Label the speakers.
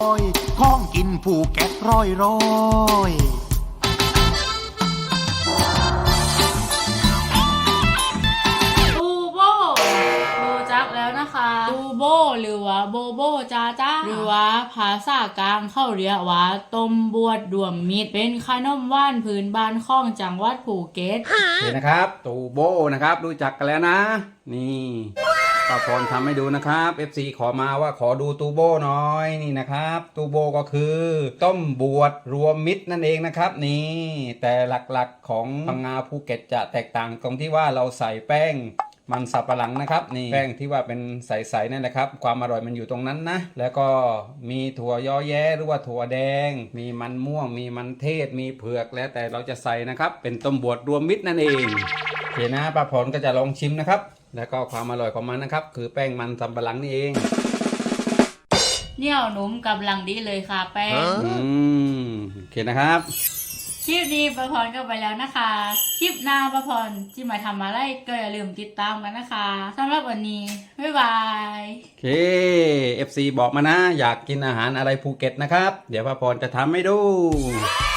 Speaker 1: ของกินภูเก็ตร้อย
Speaker 2: ตูโบรู้จักแล้วนะคะตูโบหรือว่าโบโบจ้าจ้าหรือว่าภาษากลางเขาเรียกว่าต้มบวชรวมมิตรเป็นขนมว่านพื้นบ้านของจังหวัดภูเก็ต
Speaker 3: เห็นนะครับตูโบนะครับรู้จักกันแล้วนะนี่ป้าพรทำให้ดูนะครับ FC ขอมาว่าขอดูตูโบหน่อยนี่นะครับตูโบก็คือต้มบวชรวมมิตรนั่นเองนะครับนี่แต่หลักๆของพังงาภูเก็ตจะแตกต่างตรงที่ว่าเราใส่แป้งมันสับปะหลังนะครับนี่แป้งที่ว่าเป็นใสๆนั่นแหละครับความอร่อยมันอยู่ตรงนั้นนะแล้วก็มีถั่วยอแย้หรือว่าถั่วแดงมีมันม่วงมีมันเทศมีเผือกแล้วแต่เราจะใส่นะครับเป็นต้มบวชรวมมิตรนั่นเองโอเคนะป้าพรก็จะลองชิมนะครับแล้วก็ความอร่อยของมันนะครับคือแป้งมันสำปะหลังนี่เอง
Speaker 2: เหนียวนุ่มกำลังดีเลยค่ะแป้ง
Speaker 3: โอเคนะครับ
Speaker 2: คลิปนี้ประพรก็ไปแล้วนะคะคลิปหน้าประพรที่มาทำอะไรก็อย่าลืมติดตามกันนะคะสำหรับวันนี้บ๊ายบาย
Speaker 3: โอเค FC บอกมานะอยากกินอาหารอะไรภูเก็ตนะครับเดี๋ยวป้าพรจะทำให้ดู